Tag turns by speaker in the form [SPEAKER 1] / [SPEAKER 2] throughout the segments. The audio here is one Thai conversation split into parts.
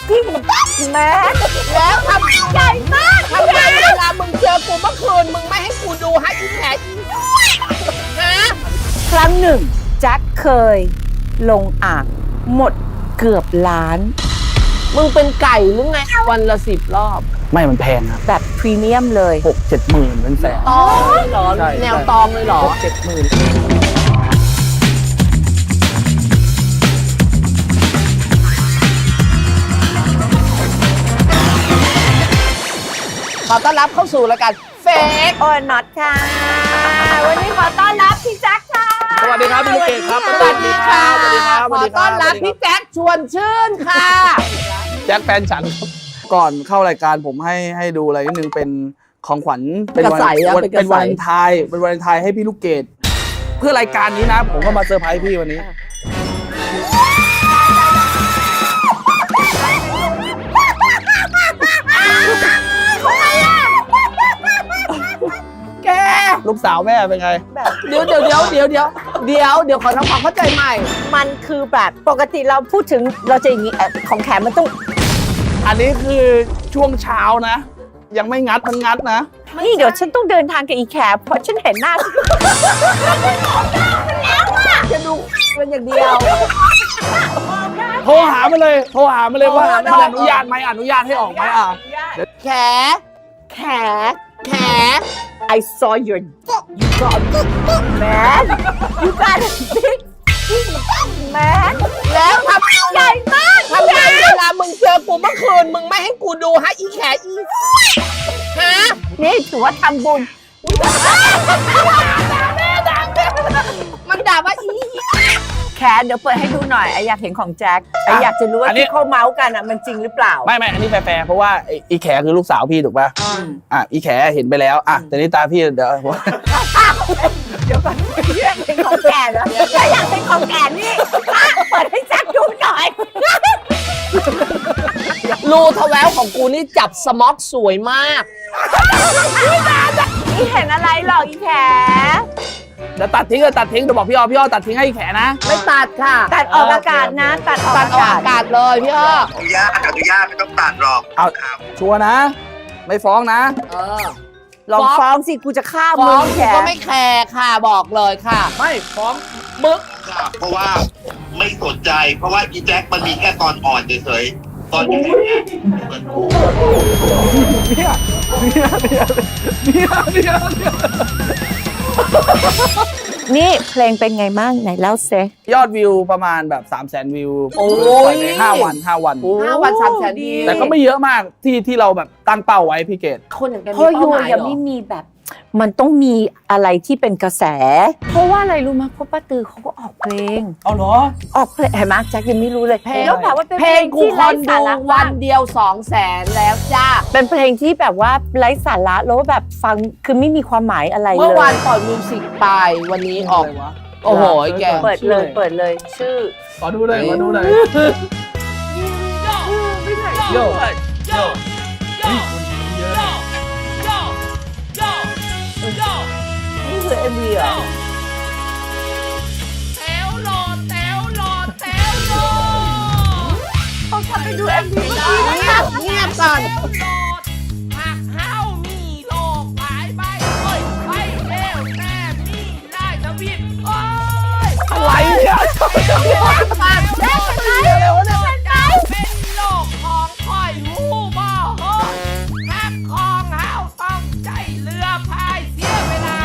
[SPEAKER 1] จริงแม่แล้วทำใหญ่มากทำไมเวลามึงเจอกูเมื่อคืนมึงไม่ให้กูดูให้อีแขกฮะครั้งหนึ่งแจ็คเคยลงอ่างหมดเกือบล้านมึงเป็นไก่หรือไงวันละ10 รอบ
[SPEAKER 2] ไม่มันแพงครับ
[SPEAKER 1] แบบพรีเมียมเลย
[SPEAKER 2] 6-7 หมื่นเป็นแสน
[SPEAKER 1] ตองเลยเหรอแนวตองเลยเหรอ
[SPEAKER 2] 6-7 หมื่น
[SPEAKER 1] ขอต้อนรับเข้าสู่รายการเฟกโอน็อตค่ะวันนี้ขอต้อนรับพี่แจ็คค่ะ
[SPEAKER 2] สวัสดีครับพี่ลูกเกดครับ
[SPEAKER 1] สวัสดีค่ะ
[SPEAKER 2] สวัสดีครับ
[SPEAKER 1] ขอต้อนรับพี่แจ็คชวนชื่นค่ะ
[SPEAKER 2] แจ็คแฟนฉันครับก่อนเข้ารายการผมให้ดูอะไรนิดนึงเป็นของขวัญเป็นวันเป็นวันไทยเป็นวันไทยให้พี่ลูกเกดเพื่อรายการนี้นะผมก็มาเซอร์ไพรส์พี่วันนี้
[SPEAKER 1] แก
[SPEAKER 2] ลูกสาวแม่เป็นไง
[SPEAKER 1] เดี๋ยวขอทำความเข้าใจใหม่ มันคือแบบปกติเราพูดถึงเราจะอย่างนี้ของแขมมันต้อง
[SPEAKER 2] อันนี้คือช่วงเช้านะ ยังไม่งัดมันงัดนะ
[SPEAKER 1] นี่เดี๋ยวฉันต้องเดินทางกับอีแขเพราะฉันเห็นหน้าจะดูเป็นอย่างเดียว
[SPEAKER 2] โทรหามาเลยว่ามันอนุญาตไหมอนุญาตให้ออกไหม
[SPEAKER 1] แข I saw your dick you got a big man you got a big man แล้วทำใหญ่มากทำไมเวลามึงเจอกูเมื่อคืนมึงไม่ให้กูดูให้อีแขอีฮะนี่ถือว่าทำบุญมันด่าว่าอีแขนเดี๋ยวเปิดให้ดูหน่อยไออยากเห็นของแจ็คไออยากจะรู้ว่าที่เขาเมาส์กันอ่ะมันจริงหรือเปล่า
[SPEAKER 2] ไม่อันนี้แฟร์เพราะว่าอีแขคือลูกสาวพี่ถูกป่ะอีแขเห็นไปแล้วแต่นี่ตาพี่เดี๋ยว
[SPEAKER 1] ก่อนอยากเป็นของแก่แล้วอยากเป็นของแก่นี่เปิดให้แจ็คดูหน่อยรูทแววของกูนี่จับสม็อกสวยมากนี่เห็นอะไรหรออีแข
[SPEAKER 2] เดี๋ยวตัดทิ้งเดี๋ยวบอกพี่อ้อตัดทิ้งให้อีแขนะ
[SPEAKER 1] ไม่ตัดค่ะตัดออกอากาศนะตัดออกอากาศเลยพี่อ้อ
[SPEAKER 3] อนุญาตไม่ต้องตัดหรอก
[SPEAKER 2] เอาชัวร์นะ ไม่ฟ้องนะ
[SPEAKER 1] ลองฟ้องสิกูจะฆ่ามึงแขก็ไม่แคร์ค่ะบอกเลยค่ะ
[SPEAKER 2] ไม่ฟ้องมึก
[SPEAKER 3] เพราะว่าไม่สนใจเพราะว่าอีแจ็คมันมีแค่ตอนอ่อนเฉยๆตอนนี้
[SPEAKER 1] นี่เพลงเป็นไงบ้างไหนเล่าเซ
[SPEAKER 2] ยอดวิวประมาณแบบ300,000 วิว
[SPEAKER 1] โอ้ย
[SPEAKER 2] 5 วัน
[SPEAKER 1] 300,000ดี
[SPEAKER 2] แต่ก็ไม่เยอะมากที่เราแบบตั้งเป้าไว้พี่เกด
[SPEAKER 1] คนอย่างแกมีเป้าหมายยังไม่มีแบบมันต้องมีอะไรที่เป็นกระแสเพราะว่าอะไรรู้มั้ยเพราะป้าตือเขาก็ออกเพลง
[SPEAKER 2] เอาเหรอ
[SPEAKER 1] ออกเพลงเห็นมั้ยแจ็คยังไม่รู้เลยแล้วแบบว่าเป็น
[SPEAKER 4] เพลงกูคนดูวันเดียว200,000แล้วจ้า
[SPEAKER 1] เป็นเพลงที่แบบว่าไร้สาระแล้วแบบฟังคือไม่มีความหมายอะไรเลย
[SPEAKER 4] เมื่อวานปล่อยมิวสิกไปวันนี้ออกโอ้โหแก
[SPEAKER 1] เปิดเลยชื่อ
[SPEAKER 2] ขอดูเลยโย่
[SPEAKER 1] นี่คือ MV เหรอ
[SPEAKER 4] แถวโหลด
[SPEAKER 1] เขาทำไปดู MV
[SPEAKER 4] เงียบก่อนหักเฮ้ามีโลกหายไปไปเร็วแม่มีได้ทวีป
[SPEAKER 2] อะไรเนี่ย
[SPEAKER 4] เป็นโลกของคอยหูบ่หักของเฮ้าต้องใจเรือพายเสียเวลา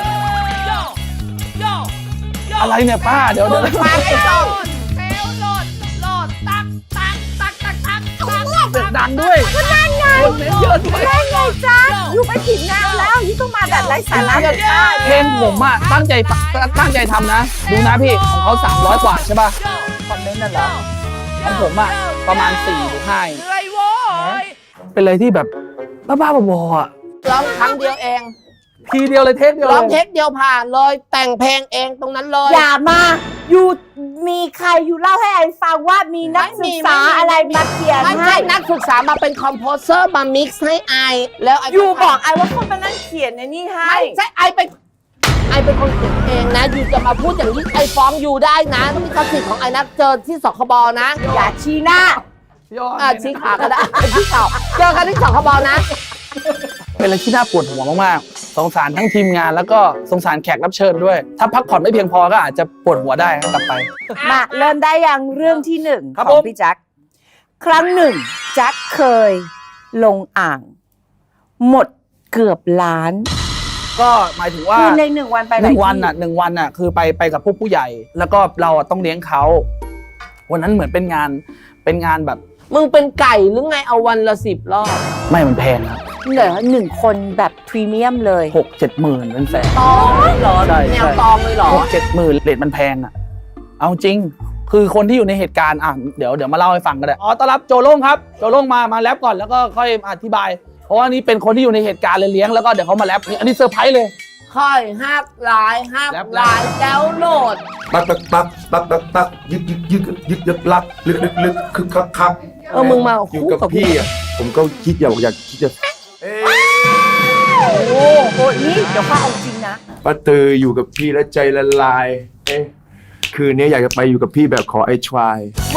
[SPEAKER 2] อะไรเนี่ยป้าเดี๋ยว
[SPEAKER 4] ป้าไอ้ต้นเซลโหลดตัก
[SPEAKER 2] เสียงดังด้วย
[SPEAKER 1] ก็นั่นไง
[SPEAKER 2] เยอะด้วย
[SPEAKER 1] นั่นไงจ้าอยู่ไปถึงงานแล้วยิ่งต้องมาแบบไร้สาระ
[SPEAKER 2] เพลงผมตั้งใจทำนะดูนะพี่ของเขา300 กว่าใช่ป่ะคอมเมนต์นั่นเหรอของผมประมาณ4 หรือ 5เป็นอะไรที่แบบบ้าๆบอๆ
[SPEAKER 4] ร้องครั้งเดียวเอง
[SPEAKER 2] ทีเดียวเลยเทคเดียว
[SPEAKER 4] ร้องเทคเดียวผ่านเลยแต่งเพลงเองตรงนั้นเลย
[SPEAKER 1] อย่ามาอยู่มีใครอยู่เล่าให้ไอ้ฟังว่ามีนักศึกษาอะไรมาเขียนให้
[SPEAKER 4] ไม่ใช่นักศึกษามาเป็นคอมโพเซอร์มามิกซ์ให้ไอแล้ว
[SPEAKER 1] อยู่บอกไอว่าคนมานั่งเขียนในนี่ให้
[SPEAKER 4] ไม่ใช่ไอเป็นคนเขียนเองนะอยู่จะมาพูดอย่างนี้ไอฟ้องอยู่ได้นะต้องมีสิทธิ์ของไอนักเจอที่สคบนะ
[SPEAKER 1] อย่าชี้หน้า
[SPEAKER 2] พี่อ้อน
[SPEAKER 1] ชี้ขาก็ได้ชี้เข่าเจอกันที่สองขบนะ
[SPEAKER 2] เป็นอะไรที่น่าปวดหัวมากๆสงสารทั้งทีมงานแล้วก็สงสารแขกรับเชิญด้วย ถ้าพักผ่อนไม่เพียงพอก็อาจจะปวดหัวได้ครับกลับไป
[SPEAKER 1] มาเริ่มได้ยังเรื่องที่หนึ่ง
[SPEAKER 2] ครับ
[SPEAKER 1] ของ
[SPEAKER 2] ผม
[SPEAKER 1] พี่แจ็คครั้งหนึ่งแจ็คเคยลงอ่าง หมดเกือบล้าน
[SPEAKER 2] ก็หมายถึงว่า
[SPEAKER 1] คือใน1 วันไป
[SPEAKER 2] หนึ่งวัน
[SPEAKER 1] อ่ะ
[SPEAKER 2] อ่ะ1 วันอ่ะคือไปกับพวกผู้ใหญ่ แล้วก็เราอ่ะต้องเลี้ยงเขาวันนั้นเหมือนเป็นงานแบบ
[SPEAKER 4] มึงเป็นไก่หรือไงเอาวันละ10 รอบ
[SPEAKER 2] ไม่มันแพงครับ
[SPEAKER 1] เหลือ1 คนแบบพรีเมียมเลย
[SPEAKER 2] 6-7 หมื่นเป็นแสน
[SPEAKER 4] ตองเหรอ
[SPEAKER 2] ใช่
[SPEAKER 4] แนวตองเลยเหรอ
[SPEAKER 2] 6-7 หมื่นเรทมันแพงอ่ะเอาจริง คือคนที่อยู่ในเหตุการณ์อ่ะเดี๋ยวมาเล่าให้ฟังก็ได้ต้อนรับโจโล่งครับโจโล่งมาแรปก่อนแล้วก็ค่อยอธิบาย เพราะว่านี่เป็นคนที่อยู่ในเหตุการณ์เลยเลี้ยงแล้วก็เดี๋ยวเขามาแรปนี่อันนี้เซอร์ไพรส์เลย
[SPEAKER 4] ค่อยหักหลายหักหลายแจ้วโหลด
[SPEAKER 5] ตักตักตักตักตักตักยึกยึกยึกยึกยึกลักลึกลึกลึกคึกคักคัก
[SPEAKER 4] มึงมา
[SPEAKER 5] อยู่กับพี่อ่ะผมก็คิดอยากคิดจะ
[SPEAKER 1] โอ้โหนี่เดี๋ยวข้าเอาจริงนะ
[SPEAKER 5] ป้าเตยอยู่กับพี่แล้วใจละลายคืนนี้อยากจะไปอยู่กับพี่แบบขอไอ้ทราย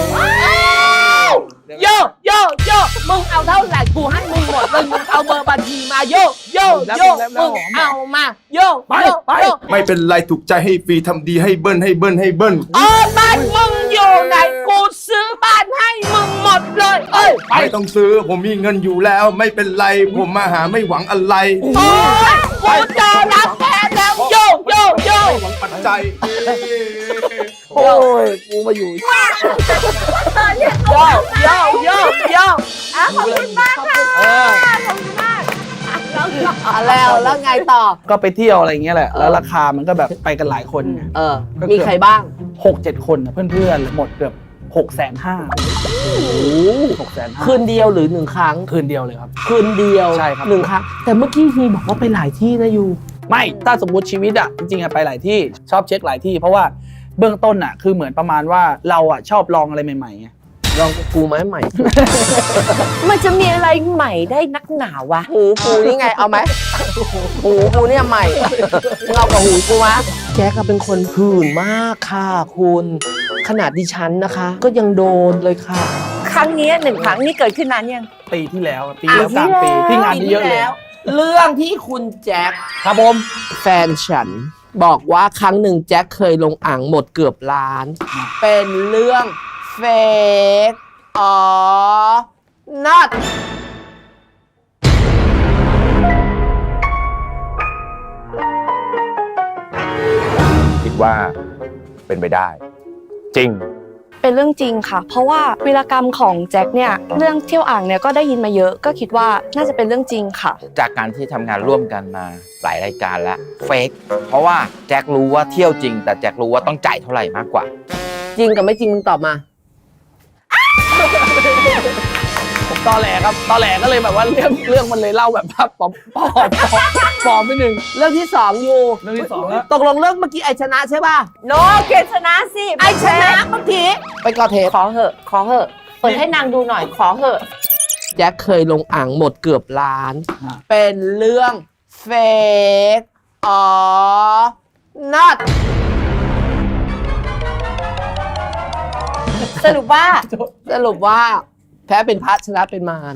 [SPEAKER 4] โยโยโยมึงเอาเท่าไหร่กูให้มึงหมดเลยมึงเอาเบอร์บัญชีมาโยโยโยมึงเอามาโยโยโย
[SPEAKER 5] ไม่เป็นไรถูกใจให้ฟรีทำดีให้เบิ้ลให้เบิ้ลให้เบิ้ล
[SPEAKER 4] บ้านมึงอยู่ไหนกูซื้อบ้านให้มึงหมดเลยเอ้ย
[SPEAKER 5] ไม่ต้องซื้อผมมีเงินอยู่แล้วไม่เป็นไรผมมาหาไม่หวังอะไร
[SPEAKER 4] โอ้ยกูจะรับแทนแล้วโยโยโย
[SPEAKER 5] ไม่หวังปัจจัย
[SPEAKER 2] โอ้ยกูมาอยู่
[SPEAKER 4] โยโยโยโย
[SPEAKER 1] ขอบคุณมากค่ะ ขอบคุณมาก
[SPEAKER 4] แล้วไงต่อ
[SPEAKER 2] ก็ไปเที่ยวอะไรอย่างเงี้ยแหละแล้วราคามันก็แบบไปกันหลายคนไง
[SPEAKER 4] มีใครบ้าง
[SPEAKER 2] 6-7 คนน่ะเพื่อนๆหมดเกือบ650,000
[SPEAKER 4] คืนเดียวหรือ1 ครั้ง
[SPEAKER 2] คืนเดียวเลยครับ
[SPEAKER 4] คืนเดียว
[SPEAKER 2] ใช่ครับ
[SPEAKER 4] 1 ครั้ง แต่เมื่อกี้ฮีบอกว่าไปหลายที่นะยู
[SPEAKER 2] ไม่ถ้าสมมติชีวิตอ่ะจริงๆอะไปหลายที่ชอบเช็คหลายที่ เพราะว่าเบื้องต้นอ่ะคือเหมือนประมาณว่าเราอ่ะชอบลองอะไรใหม่ๆไง
[SPEAKER 4] ลองกูไหมใหม่
[SPEAKER 1] มันจะมีอะไรใหม่ได้นักหนาวะ
[SPEAKER 4] หูกูนี่ไงเอาไหมหูกูเนี่ยใหม่มึงเอากับหูกูวะแจ๊กเป็นคนหื่นมากค่ะคุณขนาดดิฉันนะคะ ก็ยังโดนเลยค่ะ
[SPEAKER 1] ครั้งนี้1 ครั้งนี่เกิดขึ้นนานยัง
[SPEAKER 2] ปีที่แล้วอะปีแล้วกลางปีที่งานเยอะๆเลย
[SPEAKER 4] เรื่องที่คุณแจ็ค
[SPEAKER 2] ครับผม
[SPEAKER 4] แฟนฉันบอกว่าครั้งหนึ่งแจ็คเคยลงอ่างหมดเกือบล้าน เป็นเรื่องเฟกอ๋อ not
[SPEAKER 5] คิดว่าเป็นไปได้ จริง
[SPEAKER 6] เป็นเรื่องจริงค่ะ เพราะว่าวีรกรรมของแจ็คเนี่ยเรื่องเที่ยวอ่างเนี่ยก็ได้ยินมาเยอะ ก็คิดว่าน่าจะเป็นเรื่องจริงค่ะ
[SPEAKER 7] จากการที่ทำงานร่วมกันมาหลายรายการแล้วเฟกเพราะว่าแจ็ครู้ว่าเที่ยวจริง แต่แจ็ครู้ว่าต้องจ่ายเท่าไหร่มากกว่า
[SPEAKER 4] จริงกับไม่จริงมึงตอบมา
[SPEAKER 2] ผมตอแหลครับตอแหลก็เลยแบบว่าเรื่องมันเลยเล่าแบบว่าปลอมไปหนึ่ง
[SPEAKER 4] เรื่องที่2อยู่
[SPEAKER 2] เรื่องที่สองแล้ว
[SPEAKER 4] ตกลงเรื่องเมื่อกี้ไอชนะใช่ป่ะ
[SPEAKER 1] โนเกณฑ์ชนะสิ
[SPEAKER 4] ไอชนะเมื่อกี้ไปก่อเทป
[SPEAKER 1] ขอเหอะ ขอเหอะ เปิดให้นางดูหน่อย ขอเหอะ
[SPEAKER 4] แจ็คเคยลงอ่างหมดเกือบล้าน เป็นเรื่องเฟกอ๋อ not
[SPEAKER 1] สรุปว่า
[SPEAKER 4] สรุปว่าแพ้เป็นพระชนะเป็นมาร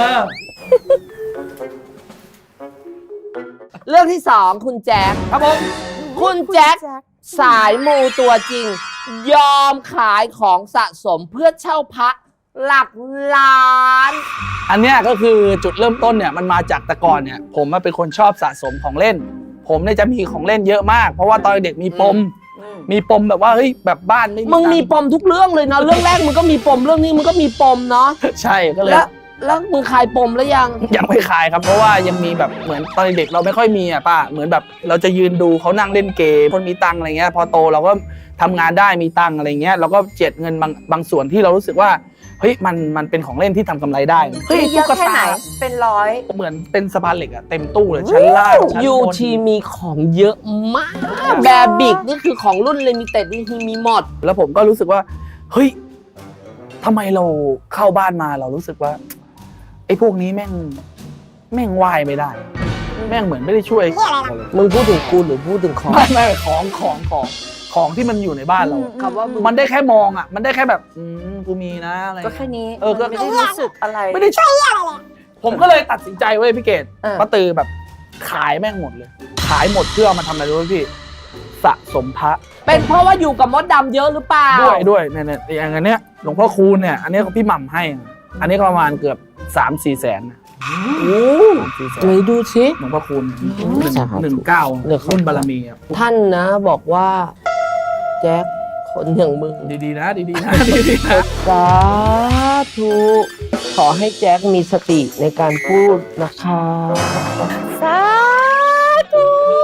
[SPEAKER 4] เรื่องที่ 2 คุณแจ็ค
[SPEAKER 2] ครับผม
[SPEAKER 4] คุณแจ็คสายมูตัวจริง ยอมขายของสะสมเพื่อเช่าพระหลักล้าน
[SPEAKER 2] อันเนี้ยก็คือจุดเริ่มต้นเนี่ยมันมาจากแต่ก่อนเนี่ยผมเป็นคนชอบสะสมของเล่น ผมเนี่ยจะมีของเล่นเยอะมาก เพราะว่าตอนเด็กมีปมแบบว่าเฮ้ยแบบบ้านไม่
[SPEAKER 4] มึงมี
[SPEAKER 2] ตัค์
[SPEAKER 4] ปมทุกเรื่องเลยเนาะ เรื่องแรกมึงก็มีปม เรื่องนี้มึงก็มีปมเนาะ
[SPEAKER 2] ใช่ก็เลย
[SPEAKER 4] แล้วมึงคลายปมแล้วยัง
[SPEAKER 2] ยังไม่ขายครับเพราะว่ายังมีแบบเหมือนตอนเด็กเราไม่ค่อยมีอ่ะป้าเหมือนแบบเราจะยืนดูเขานั่งเล่นเกมคนมีตังค์อะไรเงี้ยพอโตเราก็ทำงานได้มีตังค์อะไรเงี้ยเราก็เจ็ดเงินบางส่วนที่เรารู้สึกว่าเฮ้ยมันเป็นของเล่นที่ทำกำไรได้เฮ้ย
[SPEAKER 1] เยอะแค่ไหน เป็นร้อย
[SPEAKER 2] เหมือนเป็นสะพานเหล็กอะเต็มตู้เลยชั้นล่างชั้นบน
[SPEAKER 4] ยูทีมีของเยอะมาก แบบิกนี่คือของรุ่นลิมิเต็ดนี่ทีมีหมด
[SPEAKER 2] แล้วผมก็รู้สึกว่าเฮ้ยทำไมเราเข้าบ้านมาเรารู้สึกว่าไอ้พวกนี้แม่งไหวไม่ได้ แม่งเหมือนไม่ได้ช่วย
[SPEAKER 4] มึงพูดถึงกูหรือพูดถึงของ
[SPEAKER 2] ไม่ของของที่มันอยู่ในบ้านเราอะ
[SPEAKER 1] คำว่ามึง
[SPEAKER 2] มันได้แค่มองอ่ะมันได้แค่แบบกูมีนะอะไร
[SPEAKER 1] ก็แค่นี้
[SPEAKER 2] ก็
[SPEAKER 1] ไม่ได้รู้สึกอะไร
[SPEAKER 2] ไม่ได้ชอบผมก็เลยตัดสินใจเว้ยพี่เกด
[SPEAKER 1] เออ
[SPEAKER 2] ป้าตือแบบขายแม่งหมดเลย ขายหมดเพื่อเอามาทำอะไรรู้ไหมพี่สะสมพระ
[SPEAKER 1] เป็นเพราะว่าอยู่กับมดดำเยอะหรือเปล่า
[SPEAKER 2] ด้วยเนี่ยอย่างอันเนี้ยหลวงพ่อคูณเนี่ยอันนี้พี่หม่ำให้ อันนี้ก็ประมาณเกือบ 3-4 แสนนะ
[SPEAKER 4] ไหนดูสิ
[SPEAKER 2] หลวงพ่อคูณ
[SPEAKER 4] สาธุ
[SPEAKER 2] 19รุ่นบารมีครับ
[SPEAKER 4] ท่านนะบอกว่า แจ็คคนอย่างมึง
[SPEAKER 2] ดีๆนะดีๆนะดีๆนะ
[SPEAKER 4] สาธุขอให้แจ็คมีสติในการพูดนะคะ
[SPEAKER 1] สาธุ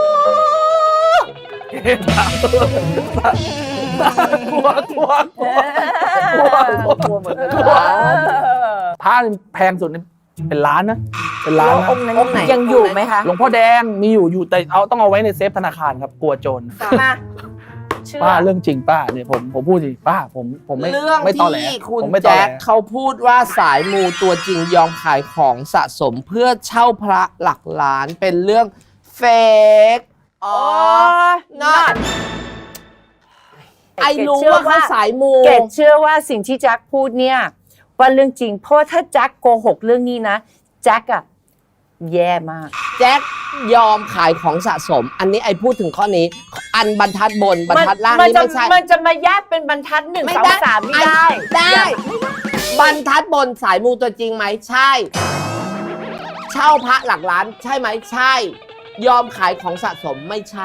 [SPEAKER 2] กลัวเหมือนกันพระแพงสุดนี่เป็นล้านนะเป็นล้านนะ
[SPEAKER 1] องค์นั้นยังอยู่ไหมคะ
[SPEAKER 2] หลวงพ่อแดงมีอยู่แต่ต้องเอาไว้ในเซฟธนาคารครับกลัวโจร
[SPEAKER 1] มาเชื่อ
[SPEAKER 2] ป้าเรื่องจริงป้าเนี่ยผมพูดจริงป้าผมไม่
[SPEAKER 4] เรื่อง
[SPEAKER 2] ไม่ตอแหล
[SPEAKER 4] ที่คุณ
[SPEAKER 2] ผมไม่ตอ
[SPEAKER 4] แจ็
[SPEAKER 2] แหล
[SPEAKER 4] คเขาพูดว่าสายมูตัวจริงยอมขายของสะสมเพื่อเช่าพระหลักล้านเป็นเรื่องเฟก
[SPEAKER 1] อ๋อ
[SPEAKER 4] not ไอรู้ว่าเขาสายมู
[SPEAKER 1] เกดเชื่อว่าสิ่งที่แจ็คพูดเนี่ยว่าเรื่องจริงเพราะถ้าแจ็คโกหกเรื่องนี้นะแจ็คอะแย่มาก
[SPEAKER 4] แจ็คยอมขายของสะสม อันนี้ไอพูดถึงข้อนี้ อันบรรทัดบนบรรทัดล่างนี่ไม่ใช่
[SPEAKER 1] มันจะมาแยกเป็นบรรทัด1
[SPEAKER 4] ไม่
[SPEAKER 1] 2
[SPEAKER 4] ได้
[SPEAKER 1] 3ไม่ได้
[SPEAKER 4] ได้ บรรทัดบนสายมูตัวจริงไหมใช่ เช่าพระหลักล้านใช่ไหมใช่ ยอมขายของสะสมไม่ใช่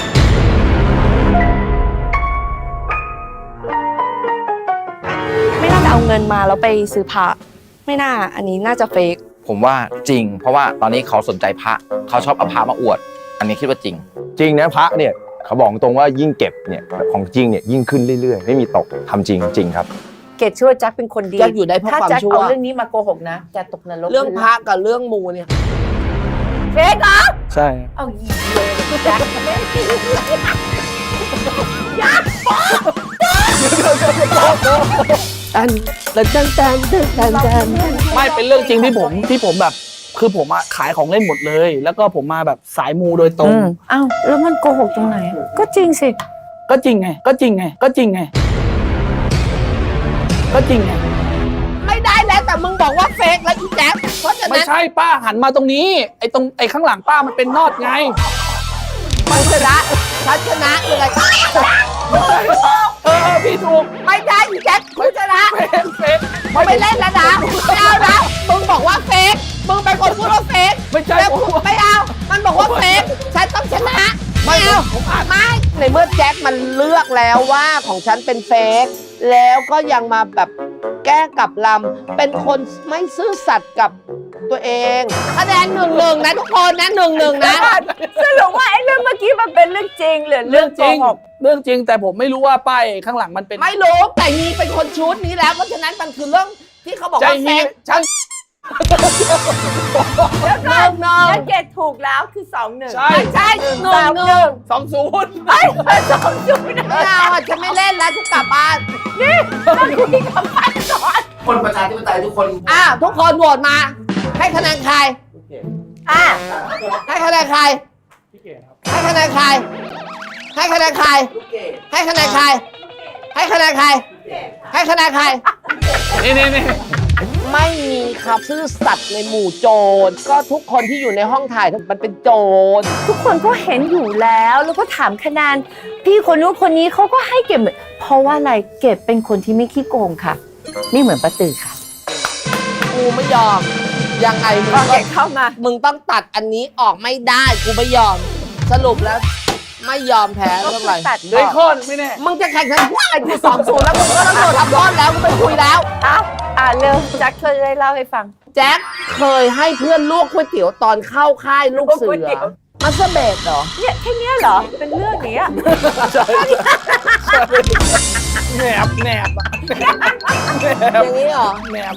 [SPEAKER 6] ไม่น่าจะเอาเงินมาแล้วไปซื้อพระไม่น่าอันนี้น่าจะเฟก
[SPEAKER 7] ผมว่าจริง เพราะว่าตอนนี้เขาสนใจพระเขาชอบเอาพระมาอวด อันนี้คิดว่าจริง
[SPEAKER 5] จริงนะพระเนี่ยเขาบอกตรงว่ายิ่งเก็บเนี่ยของจริงเนี่ยยิ่งขึ้นเรื่อยๆ ไม่มีตกทำจริงครับ
[SPEAKER 1] เกดเชื่อว่าแจ็คเป็นคนดี
[SPEAKER 4] แจ็คอยู่ได้เพราะ
[SPEAKER 1] ถ้า
[SPEAKER 4] ความ
[SPEAKER 1] แจ็ค
[SPEAKER 4] ชั่ว
[SPEAKER 1] เอาเรื่องนี้มาโกหกนะแจ็คตกนรก
[SPEAKER 4] เรื่องพระกับเรื่องมูเนี่ย
[SPEAKER 1] เฟกเหรอ
[SPEAKER 2] ใช่
[SPEAKER 1] เอาอีกเลยแจ็คไม่ดียักษ์
[SPEAKER 4] ตันตัน
[SPEAKER 2] ไม่เป็นเรื่องจริงที่ผมแบบคือผมอะขายของเล่นหมดเลย แล้วก็ผมมาแบบสายมูโดยตรง
[SPEAKER 1] อ้าวแล้วมันโกหกตรงไหน ก็จริงสิ
[SPEAKER 2] ก็จริงไงก็จริงไงก็จริงไงก็จริงไง
[SPEAKER 4] ไม่ได้แล้วแต่มึงบอกว่าเฟกแล้วอีแจ๊คเพราะฉะ
[SPEAKER 2] ไม่
[SPEAKER 4] นั้น
[SPEAKER 2] ใช่ป้าหันมาตรงนี้ไอ้ข้างหลังป้ามันเป็นนอดไง
[SPEAKER 4] มันชนะฉันชนะเลย
[SPEAKER 2] พี่ถูก
[SPEAKER 4] ไม่ได้อีแจ๊คคุณชนะ
[SPEAKER 2] เฟก
[SPEAKER 4] ไม่เล่นแล้วนะไม่เอานะมึงบอกว่าเฟกมึงเป็นคนพูดว่าเฟก
[SPEAKER 2] ไม่ใช่
[SPEAKER 4] แล้ว
[SPEAKER 2] ผม
[SPEAKER 4] ไม่เอา มันบอกว่าเฟกฉันต้องชนะไม่เอาไม่ในเมื่อแจ็คมันเลือกแล้วว่าของฉันเป็นเฟกแล้วก็ยังมาแบบแก้กลับลำเป็นคนไม่ซื่อสัตย์กับตัวเองคะแนน1-1นะทุกคนนะ1-1นะ
[SPEAKER 1] สรุปว่าไอ้เรื่องเมื่อกี้มันเป็นเรื่องจริงหรือเรื่องโก
[SPEAKER 2] จริง
[SPEAKER 1] หก
[SPEAKER 2] เรื่องจริงแต่ผมไม่รู้ว่าป้ายข้างหลังมันเป็น
[SPEAKER 4] ไม่รู้แต่ฮีเป็นคนชุดนี้แล้วเพราะฉะนั้นมันคือเรื่องที่เขาบอก
[SPEAKER 2] ใจ
[SPEAKER 4] ว่าเฟ
[SPEAKER 2] ฮี
[SPEAKER 4] ก
[SPEAKER 2] ฉัน
[SPEAKER 1] แล้วก็
[SPEAKER 4] 1-1
[SPEAKER 1] แล้วเกดถูกแล้วคือ2-1
[SPEAKER 2] ใช่
[SPEAKER 4] ใช่1-1
[SPEAKER 2] 20
[SPEAKER 1] ไอ้2-0
[SPEAKER 4] ไม่เอาอ่ะฉันไม่เล่นแล้วฉันกลับบ้าน
[SPEAKER 1] ต้องคุยกับมันก่อน
[SPEAKER 4] คนประชาธิปไตยทุกคนทุกคนโหวตมา ให้คะแนนใคร
[SPEAKER 1] อ่ะ
[SPEAKER 4] ให้คะแนนใคร ให้คะแนนใคร ให้คะแนนใคร ให้คะแนนใคร ให้คะแนนใคร ให้คะแนนใคร
[SPEAKER 2] นี่
[SPEAKER 4] ไม่มีครับซื่อสัตย์ในหมู่โจร ก็ทุกคนที่อยู่ในห้องถ่ายมันเป็นโจร
[SPEAKER 1] ทุกคนก็เห็นอยู่แล้วแล้วก็ถามคะแนนพี่คนนู้นคนนี้เขาก็ให้เก็บเพราะว่าอะไรเก็บเป็นคนที่ไม่ขี้โกงค่ะไม่เหมือนป้าตือค่ะ
[SPEAKER 4] กูไม่ยอม ยังไงมึง
[SPEAKER 1] ก็
[SPEAKER 4] ก็
[SPEAKER 1] เก็บเข้ามา
[SPEAKER 4] มึงต้องตัดอันนี้ออกไม่ได้ กูไม่ยอม สรุปแล้ว ไม่ยอมแพ้เท่าไหร่
[SPEAKER 1] ตัด
[SPEAKER 2] เหลยข้อหนึ่งไม่แน่
[SPEAKER 4] มึงจะแข่งขันพวกอะไรกู2-0แล้วมึงก็ต้องโดนทำโทษแล้วกูไม่คุยแล้ว
[SPEAKER 1] เร็วแจ็คเคยได้เล่าให้ฟัง
[SPEAKER 4] แจ็คเคยให้เพื่อนลวกก๋วยเตี๋ยวตอนเข้าค่ายลูกเสื
[SPEAKER 1] ลวกก๋วยเตี๋
[SPEAKER 4] อ
[SPEAKER 1] ยว
[SPEAKER 4] มาสเตอร์เบดเหรอ
[SPEAKER 1] เนี่ยแค่เนี้ยเหรอเป็นเรื่องนี้อะ
[SPEAKER 2] แหนบอะ
[SPEAKER 4] อย่างนี้เหรอ
[SPEAKER 2] แหนบ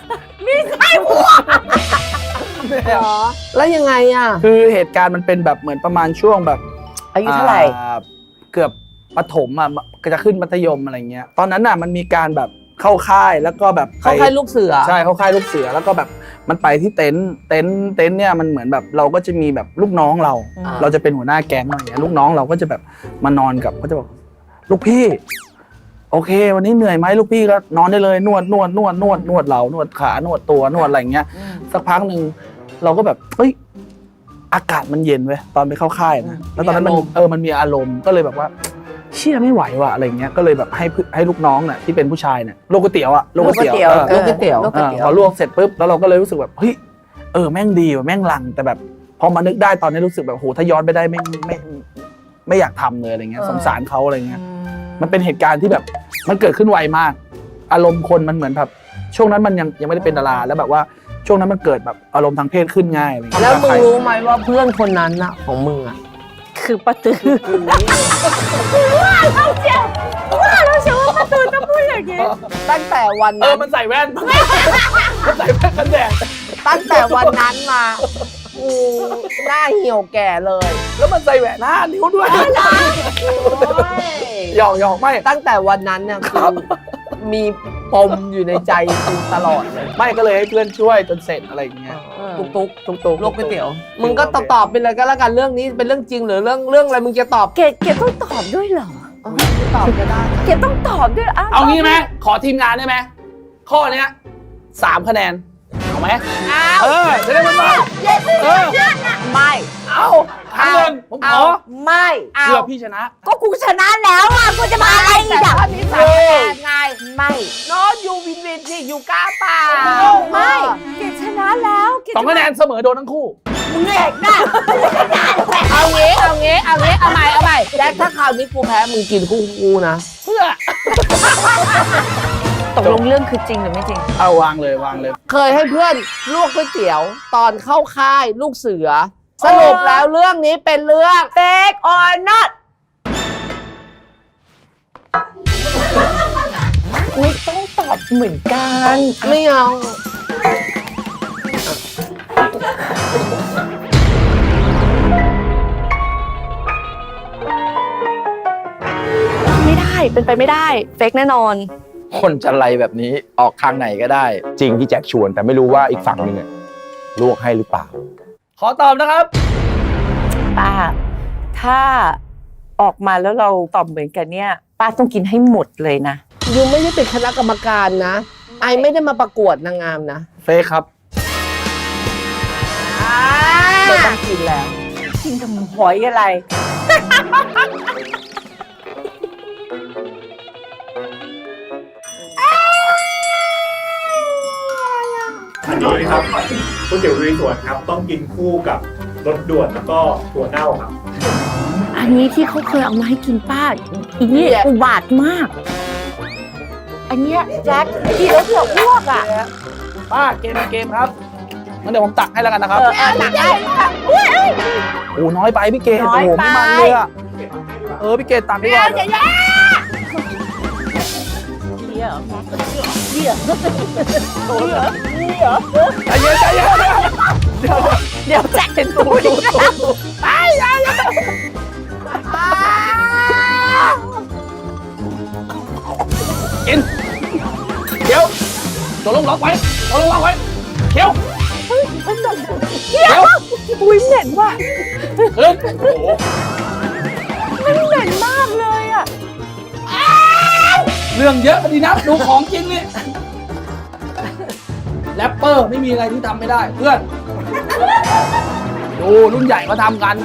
[SPEAKER 4] เหรอ แล้วยังไงอ่ะ
[SPEAKER 2] คือเหตุการณ์มันเป็นแบบเหมือนประมาณช่วงแบบ
[SPEAKER 1] อายุเท่าไหร่
[SPEAKER 2] เกือบประถมอ่ะก็จะขึ้นมัธยมอะไรเงี้ยตอนนั้นน่ะมันมีการแบบเข้าค่ายแล้วก็แบบไป
[SPEAKER 4] เข้าค่ายลูกเสือ
[SPEAKER 2] ใช่เข้าค่ายลูกเสือแล้วก็แบบมันไปที่เต็นท์เนี่ยมันเหมือนแบบเราก็จะมีแบบลูกน้องเรา
[SPEAKER 4] อ่า
[SPEAKER 2] เราจะเป็นหัวหน้าแก๊งอะไรเงี้ยลูกน้องเราก็จะแบบมานอนกับก็จะบอกลูกพี่ โอเค วันนี้เหนื่อยไหมลูกพี่ก็นอนได้เลยนวดเหลานวดขานวดตัวนวดอะไรอย่างเงี้ยสักพักหนึ่งเราก็แบบเฮ้ยอากาศมันเย็นเว้ยตอนไปเข้าค่ายนะแล้วตอนนั้นมันมีอารมณ์ก็เลยแบบว่าเชี่ยไม่ไหวว่ะอะไรเงี้ยก็เลยแบบให้ลูกน้องน่ะที่เป็นผู้ชายเนี่ยโลกก๋วยเตี๋ยวโลกก๋วยเตี๋ยว
[SPEAKER 4] ลูกก๋วยเตี๋ยว
[SPEAKER 2] พอลวกเสร็จปุ๊บแล้วเราก็เลยรู้สึกแบบเฮ้ยแม่งดีว่ะแม่งลังแต่แบบพอมานึกได้ตอนนี้รู้สึกแบบโหถ้าย้อนไปได้ไม่อยากทำเลยอะไรเงี้ยสงสารเขาอะไรเงี้ยมันเป็นเหตุการณ์ที่แบบมันเกิดขึ้นไวมากอารมณ์คนมันเหมือนแบบช่วงนั้นมันยังไม่ได้เป็นดาราแล้วแบบว่าช่วงนั้นมันเกิดแบบอารมณ์ทางเพศขึ้นง่ายอะไรเงี้ย
[SPEAKER 4] แล้วมึงรู้ไหมว่าเพื่อนคนนั้นน่ะของมึงอ่ะ
[SPEAKER 1] คือป้าตือว่าเราเชื่อว่าป้าตือจะพูดอย่างนี้
[SPEAKER 4] ตั้งแต่วันนั้น
[SPEAKER 2] มันใส่แว่นมันใส่แว่นกันแดด
[SPEAKER 4] ตั้งแต่วันนั้นมากูหน้าเหี่ยวแก่เลย
[SPEAKER 2] แล้วมันใส่แหวน5 นิ้วด้วยหยอกไม่
[SPEAKER 4] ตั้งแต่วันนั้นเนี่ยคือมีปมอยู่ในใจกูตลอดเลย
[SPEAKER 2] ไม่ก็เลยให้เพื่อนช่วยจนเสร็จอะไรอย่างเงี้ย
[SPEAKER 4] ตุ๊กโลกก๋วยเตี๋ยวมึงก็ตอบไปเลยก็แล้วกันเรื่องนี้เป็นเรื่องจริงหรือเรื่องอะไรมึงจะตอบ
[SPEAKER 1] เกดต้องตอบด้วยเหรอ
[SPEAKER 4] ตอบก็ได้
[SPEAKER 1] เกดต้องตอบด้วย
[SPEAKER 2] เอางี้ไหมขอทีมงานได้ไหมข้อเนี้ย3 คะแนนเอาไหมจะได้มันมา
[SPEAKER 1] ไม่
[SPEAKER 2] เอาครั้งหนึ่งผมขอ
[SPEAKER 1] ไม่เอา
[SPEAKER 2] เพื่อพี่ชนะ
[SPEAKER 1] ก็กูชนะแล้วอ่ะกูจะมาอะไรอีกอ่ะ
[SPEAKER 4] ข้อนี้3 คะแนนไง
[SPEAKER 1] ไม่
[SPEAKER 4] โน้ตยูวินสิยูกล้าเปล่า
[SPEAKER 1] ไม่เกดชนะแล้วเกด
[SPEAKER 2] 2 คะแนนเสมอโดนทั้งคู่
[SPEAKER 1] มึงเอกนะ
[SPEAKER 4] เอางี้เอาใหม่แจ็คถ้าคราวนี้กูแพ้มึงกินคู่กูนะ
[SPEAKER 2] เพื่อ
[SPEAKER 1] ตกลงเรื่องคือจริงหรือไม่จริง
[SPEAKER 2] เอาวางเลย
[SPEAKER 4] เคยให้เพื่อนลวกก๋วยเตี๋ยวตอนเข้าค่ายลูกเสือ สรุปแล้วเรื่องนี้เป็นเรื่อง
[SPEAKER 1] fake or not ไม่ต้องตอบเหมือนกัน
[SPEAKER 4] ไม่เอา
[SPEAKER 6] ไม่ได้เป็นไปไม่ได้เฟกแน่นอน
[SPEAKER 7] คนจะไลแบบนี้ออกทางไหนก็ได้
[SPEAKER 5] จริงที่แจ็คชวนแต่ไม่รู้ว่าอีกฝั่งหนึ่งอะลวกให้หรือเปล่า
[SPEAKER 2] ขอตอบนะครับ
[SPEAKER 1] ป้า ถ้าออกมาแล้วเราตอบเหมือนกันเนี่ยป้าต้องกินให้หมดเลยนะ
[SPEAKER 4] ยูไม่ได้เป็นคณะกรรมการนะ ไอไม่ได้มาประกวดนางงามนะ
[SPEAKER 2] เฟคครับ
[SPEAKER 4] ไม่ต้องกินแล้ว
[SPEAKER 1] กินกับหอยอะไร
[SPEAKER 8] อันนี้ครับก๋วยเตี๋ยวลุยสวนครับ ต้องกินคู่กับรสด่วนแล้วก็ถั่วเน่าครับ
[SPEAKER 1] อันนี้ที่เขาเคยเอามาให้กินป้าอีนี่อุบาทมาก อันเนี้ยแจ็คกินแล้วจะอ้วกอ่ะ
[SPEAKER 2] ป้าเกมครับงั้นเดี๋ยวผมตักให้แล้วกันนะครับ
[SPEAKER 1] ตักได้
[SPEAKER 2] โอ้น้อยไปพี่เกด
[SPEAKER 1] น้
[SPEAKER 2] โอ้
[SPEAKER 1] อย
[SPEAKER 2] โห
[SPEAKER 1] ไป
[SPEAKER 2] ไม่มันเลยอะพี่เกดตักดีกว่า
[SPEAKER 1] เดี๋ยวเดี๋ยวแจ็คเป็นตัวดีนะ
[SPEAKER 2] กินเคี้ยวตัวลงล็อกไว้เคี้ยว
[SPEAKER 1] เดี๋ยวอุ้ยเหม็นว่ะ
[SPEAKER 2] ขึ้น
[SPEAKER 1] มันเหม็นมากเลยอ่ะ
[SPEAKER 2] เรื่องเยอะดีนะดูของจริงนี่แรปเปอร์ไม่มีอะไรที่ทำไม่ได้เพื่อนดูรุ่นใหญ่เขาทำกัน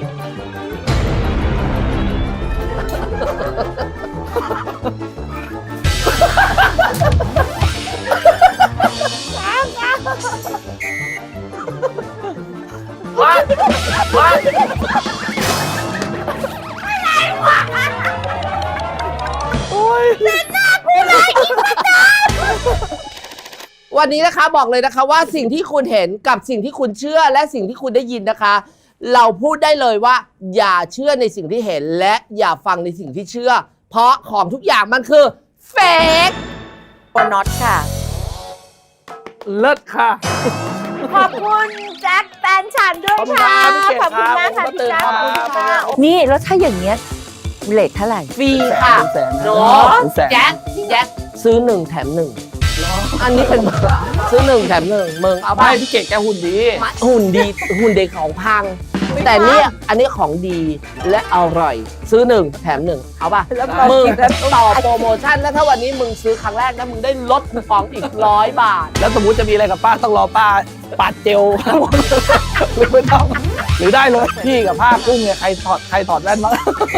[SPEAKER 4] วันนี้นะคะบอกเลยนะคะว่าสิ่งที่คุณเห็นกับสิ่งที่คุณเชื่อและสิ่งที่คุณได้ยินนะคะ เราพูดได้เลยว่า อย่าเชื่อในสิ่งที่เห็นและอย่าฟังในสิ่งที่เชื่อ เพราะของทุกอย่างมันคือเฟก
[SPEAKER 1] or not ค่ะ
[SPEAKER 2] เลิศค่ะ
[SPEAKER 1] ขอบคุณแจ็คแฟนฉันด้วยค่ะ
[SPEAKER 2] ขอบคุณครับ
[SPEAKER 1] ขอบคุณมากค่ะ
[SPEAKER 2] ขอบคุณ
[SPEAKER 1] พี่
[SPEAKER 2] ครั
[SPEAKER 1] แจ็ค
[SPEAKER 2] บ
[SPEAKER 1] ขอบคุณค่ะนี่แล้วถ้าอย่างเงี้ยเลทเท่าไหร่
[SPEAKER 4] ฟรีค่ะ
[SPEAKER 2] แสน
[SPEAKER 4] โน
[SPEAKER 2] แสน
[SPEAKER 4] แจ็คซื้อ1 แถม 1 อันนี้เป็นซื้อ1 แถม 1มึงเอาไป
[SPEAKER 2] ไม่พี่เกดแกหุ่นดี
[SPEAKER 4] หุ่นดีของพังแต่เนี่ยอันนี้ของดีและอร่อย ซื้อ1แถม1เอาป่ะ
[SPEAKER 1] แล้วก็
[SPEAKER 4] มึง
[SPEAKER 1] กินแล้ว
[SPEAKER 4] ต่อโปรโมชั่นแล้วถ้าวันนี้มึงซื้อครั้งแรกนะมึงได้ลดคูปองอีก100 บาท
[SPEAKER 2] แล้วสมมติจะมีอะไรกับป้าต้องรอป้าปัดเจล หรือไม่ต้องหรือได้เลยพี่กับผ้ากุ้งเนี่ยใครถอดแว่นบ้าง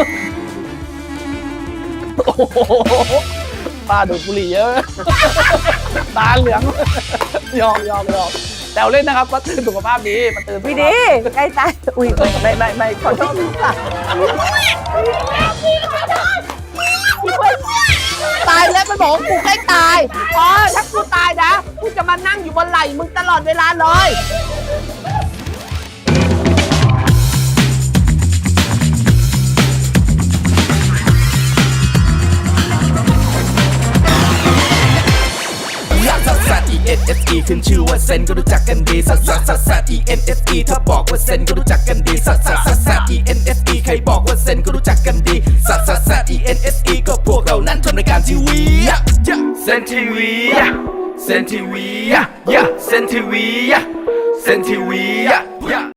[SPEAKER 2] โอ้โหป้าดูดบุหรี่เยอะ ตาเหลืองยอมแต่เล่นนะครับก็ตื่นสุขภาพดีมันตื่น
[SPEAKER 1] พี่ดีใกล้ตายอุ้ยไม่ขอโทษค่ะ
[SPEAKER 4] ตายแล้วมันบอกว่ากูใกล้ตายอ๋อถ้ากูตายนะกูจะมานั่งอยู่บนไหล่มึงตลอดเวลาเลย
[SPEAKER 9] ซักซัก E-N-S-E ขึ้นชื่อว่าเซนก็รู้จักกันดีซักซัก E-N-S-E ถ้าบอกว่าเซนก็รู้จักกันดีซักซัก E-N-S-E ใครบอกว่าเซนก็รู้จักกันดีซัก E-N-S-E ก็พวกเรานั้นทำรายการทีวีเซนทีวีเซนทีวีเซนทีวีเซนทีวี